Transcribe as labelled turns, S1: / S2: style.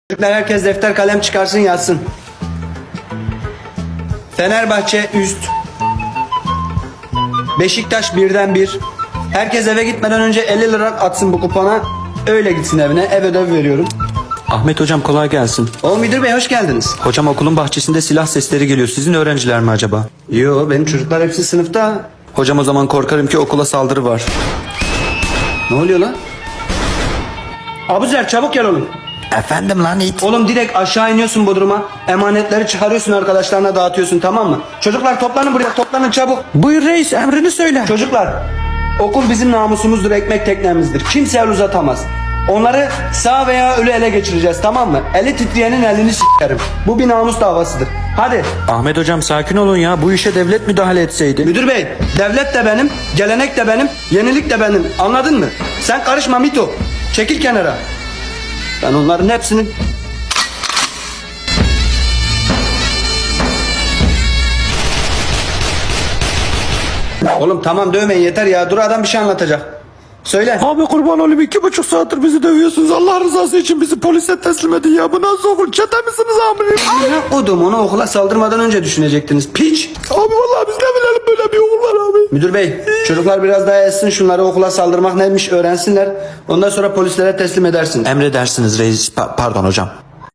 S1: Çocuklar herkes defter kalem çıkarsın yazsın. Fenerbahçe üst. Beşiktaş 1'den 1. Herkes eve gitmeden önce 50 lira atsın bu kupona. Öyle gitsin evine. Ev ödevi veriyorum.
S2: Ahmet hocam kolay gelsin.
S1: O müdür bey hoş geldiniz.
S2: Hocam okulun bahçesinde silah sesleri geliyor. Sizin öğrenciler mi acaba?
S1: Yo benim çocuklar hepsi sınıfta.
S2: Hocam o zaman korkarım ki okula saldırı var.
S1: Ne oluyor lan? Abuzer çabuk gel oğlum.
S2: Efendim lan it.
S1: Oğlum direkt aşağı iniyorsun Bodrum'a. Emanetleri çıkarıyorsun arkadaşlarına dağıtıyorsun tamam mı? Çocuklar toplanın buraya toplanın çabuk.
S2: Buyur reis emrini söyle.
S1: Çocuklar okul bizim namusumuzdur, ekmek teknemizdir. Kimse el uzatamaz. Onları sağ veya ölü ele geçireceğiz tamam mı? Eli titreyenin elini s**erim. Bu bir namus davasıdır. Hadi.
S2: Ahmet hocam sakin olun ya. Bu işe devlet müdahale etseydi.
S1: Müdür bey devlet de benim, gelenek de benim, yenilik de benim. Anladın mı? Sen karışma Mito. Çekil kenara. Ben onların hepsini... Oğlum tamam dövmeyin yeter ya. Dur adam bir şey anlatacak. Söyle.
S2: Abi kurban olayım 2,5 saattir bizi dövüyorsunuz. Allah rızası için bizi polise teslim edin ya. Bu nasıl okul? Çete misiniz amirim?
S1: Odum onu okula saldırmadan önce düşünecektiniz. Piç.
S2: Abi vallahi biz ne bilelim böyle bir okul var abi.
S1: Müdür bey çocuklar biraz daha etsin şunları, okula saldırmak neymiş öğrensinler. Ondan sonra polislere teslim edersin.
S2: Emredersiniz reis. Pardon hocam.